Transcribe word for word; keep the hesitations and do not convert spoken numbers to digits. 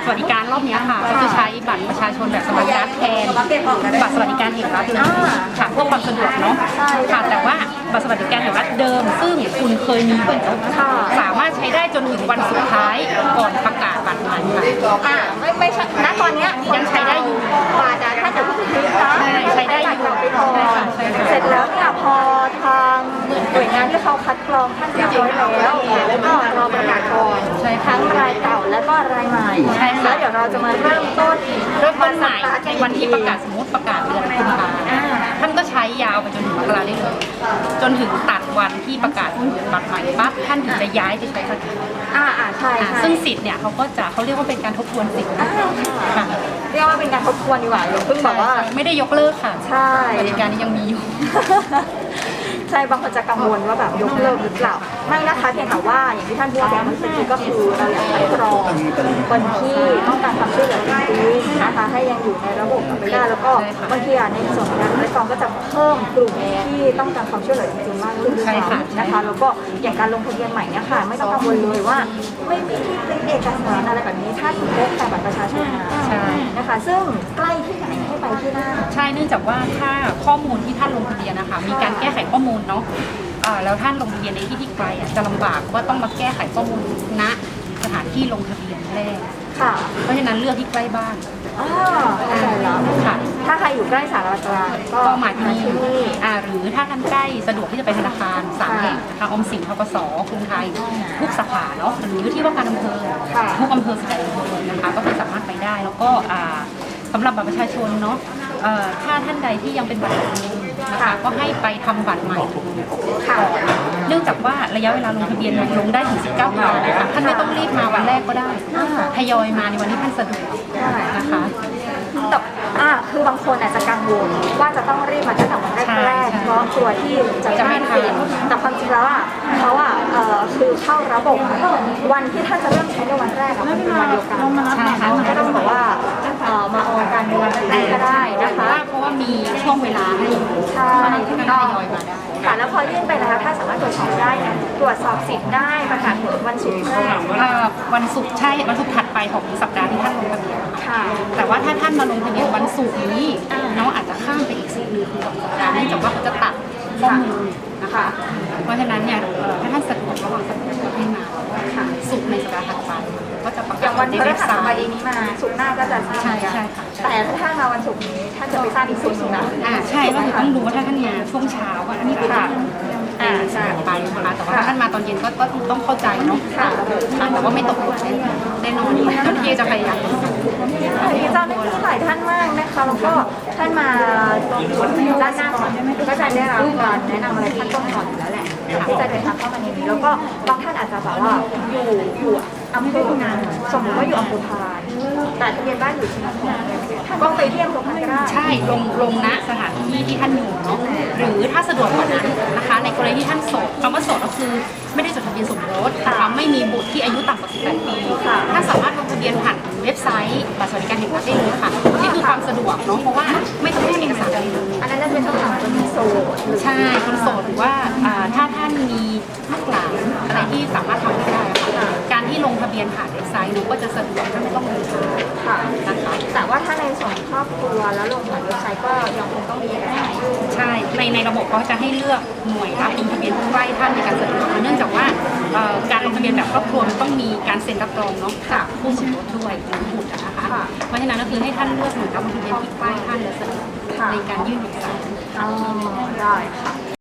สวัสดิการรอบนี้ค่ะก็จะใช้บัตรประชาชนแบบสมัครการ์ดแทนบัตรสวัสดิการแห่งรัฐเลยค่ะเพื่อความสะดวกเนาะค่ะแต่ว่าบัตรสวัสดิการแห่งรัฐเดิมซึ่งคุณเคยมีอยู่สามารถใช้ได้จนถึงวันสุดท้ายก่อนประกาศบัตรใหม่ค่ะอ่าไม่ไม่ใช่ณตอนนี้ยังใช้ได้อยู่บาทถ้าจะพูดถึงนะใช้ได้อยู่ไปก่อนเสร็จแล้วเนี่ยพอทางหน่วยงานที่เขาคัดกรองท่านเรียบร้อยแล้วแล้วก็รอประกาศก่อนทั้งรายเก่าแล้วก็รายใหม่แล้วเดี๋ยวเราจะมาเริ่มต้นเริ่มต้นใหม่ในวันที่ประกาศสมมติประกาศเดือนกุมภาพันธ์ท่านก็ใช้ยาวไปจนถึงมกราได้เลยจนถึงตัดวันที่ประกาศบัตรใหม่ปั๊บท่านถึงจะย้ายไปใช้บัตรอ่าอ่าใช่ซึ่งสิทธิ์เนี่ยเขาก็จะเขาเรียกว่าเป็นการทบทวนสิทธิ์ค่ะเรียกว่าเป็นการทบทวนดีกว่าเพิ่งบอกว่าไม่ได้ยกเลิกค่ะใช่บริการนี้ยังมีอยู่ใช่บางคนจะกังวลว่าแบบยกเลิกหรือเปล่าไม่นะคะเพียงแต่ว่าอย่างที่ท่านพูดบอกเมื่อกี้ก็คือเราอยากคัดกรองคนที่ต้องการความช่วยเหลือจริงๆนะคะให้ยังอยู่ในระบบไปได้แล้วก็บางทีในส่วนของการคัดกรองก็จะเพิ่มกลุ่มที่ต้องการความช่วยเหลือจริงๆมากขึ้นด้วยนะคะแล้วก็อย่างการลงทะเบียนใหม่เนี่ยค่ะไม่ต้องกังวลเลยว่าไม่มีที่เป็นเอกสารอะไรแบบนี้ถ้าคุณพกแต่บัตรประชาชนมานะคะซึ่งใกล้ที่ไหนให้ไปที่นั่นใช่เนื่องจากว่าถ้าข้อมูลที่ท่านลงทะเบียนนะคะมีการแก้ไขข้อมูลเนาะแล้วท่านลงทะเบียนในที่ที่ไกลจะลำบากว่าต้องมาแก้ไขข้อมูลณสถานที่ลงทะเบียนแรกค่ะเพราะฉะนั้นเลือกที่ใกล้บ้านอ๋อเข้าใจแล้วค่ะถ้าใครอยู่ใกล้สารกลางก็มาที่นี่อ่าหรือถ้าท่านใกล้สะดวกที่จะไปธนาคารสามแห่งทางออมสิน ธกส.กรุงไทยทุกสาขาเนาะหรือที่ว่าการอำเภอทุกอำเภอสายอำเภอนะคะก็คือสามารถไปได้แล้วก็อ่าสำหรับบัตรประชาชนเนาะถ้าท่านใดที่ยังเป็นบัตรเดิมนะคะก็ให้ไปทำบัตรใหม่เนื่องจากว่าระยะเวลาลงทะเบียนลงได้ถึงสิบเก้าวันนะคะท่านไม่ต้องรีบมาวันแรกก็ได้ทยอยมาในวันที่ท่านสะดวกนะคะแต่อ่าคือบางคนอาจจะกังวลว่าจะต้องรีบมาตั้งแต่วันแรกๆเพราะกลัวที่จะไม่ทันแต่ความจริงแล้วอ่ะเขาอ่ะคือเข้าระบบวันที่ท่านจะเริ่มใช้ในวันแรกมันเป็นวันเดียวกันใช่ค่ะไม่ต้องบอกว่ามาออกการในวันแรกก็ได้นะคะเพราะว่ามีช่วงเวลาให้ใช่ที่ทยอยมาได้ค่ะแล้วพอยื่นไปนะคะถ้าสามารถตรวจสอบได้ตรวจสอบสิทธิ์ได้ประกาศผลวันศุกร์วันศุกร์ใช่วันศุกร์ถัดไปของสัปดาห์ที่ท่านลงทะเบียนค่ะแต่ว่าถ้าท่านมาลงทะเบียนวันศุกร์นี้น้องอาจจะข้ามไปอีกสี่หนึ่งคือสองสัปดาห์เนื่องจากว่าเขาจะตัดข้อมูลนะคะเพราะฉะนั้นเนี่ยถ้าท่านสะดวกระหว่างสัปดาห์ก็ให้มาค่ะศุกร์ในสัปดาห์ถัดไปก็จะประกาศวันพฤหัสบดีนี้มาศุกร์หน้าก็จะทราบกันแต่ถ้ามาวันศุกร์นี้ท่านจะไปทราบอีกศุกร์นึงนะอ่าใช่ก็คือต้องดูว่าถ้าท่านมาช่วงเช้าอันนี้เป็นอ่าใช่ไปนะคะแต่ว่าถ้าท่านมาตอนเย็นก็ต้องเข้าใจเนาะแต่ว่าไม่ตกหล่นแน่นอนเจ้าหน้าที่จะพยายามเจ้าหน้าที่หลายท่านมากนะคะแล้วก็ท่านมาด้านหน้าก่อนก็จะได้รับการแนะนำอะไรท่านต้องก่อนอยู่แล้วแหละที่จะเดินทางเข้ามาในนี้แล้วก็บางท่านอาจจะแบบว่าอยู่อยู่อำเภองานสมมติว่าอยู่อำเภอพานแต่ทะเบียนบ้านอยู่ที่นครก็ไปเที่ยวตรงนั้นก็ได้ใช่ลงลงณสถานที่ที่ท่านอยู่เนาะหรือถ้าสะดวกกว่านั้นนะคะในกรณีที่ท่านโสดคำว่าโสดก็คือไม่ได้จดทะเบียนสมรสนะคะไม่มีบุตรที่อายุต่ำกว่าสิบแปดปีท่านสามารถลงทะเบียนผ่านเว็บไซต์บัตรสวัสดิการแห่งรัฐได้เลยค่ะนี่คือความสะดวกเนาะเพราะว่าไม่ต้องยื่นเอกสารอะไรเลยอันนั้นจะเป็นช่องทางคนโสดใช่คนโสดหรือว่าถ้าท่านมีลูกหลานอะไรที่สามารถทำได้ค่ะการที่ลงทะเบียนผ่านเว็บไซต์หนูก็จะสะดวกท่านไม่ต้องเดินทางค่ะนะคะแต่ว่าถ้าในส่วนครอบครัวแล้วลงผ่านเว็บไซต์ก็ยังคงต้องมีเอกสารใช่ในในระบบเขาจะให้เลือกหน่วยรับลงทะเบียนใกล้ท่านในการสะดวกเนื่องจากว่าการลงทะเบียนแบบครอบครัวมันต้องมีการเซ็นรับรองเนาะจากผู้สมรสด้วยหรือบุตรนะคะเพราะฉะนั้นก็คือให้ท่านเลือกหน่วยรับลงทะเบียนที่ใกล้ท่านและสะดวกในการยื่นเอกสารได้ค่ะ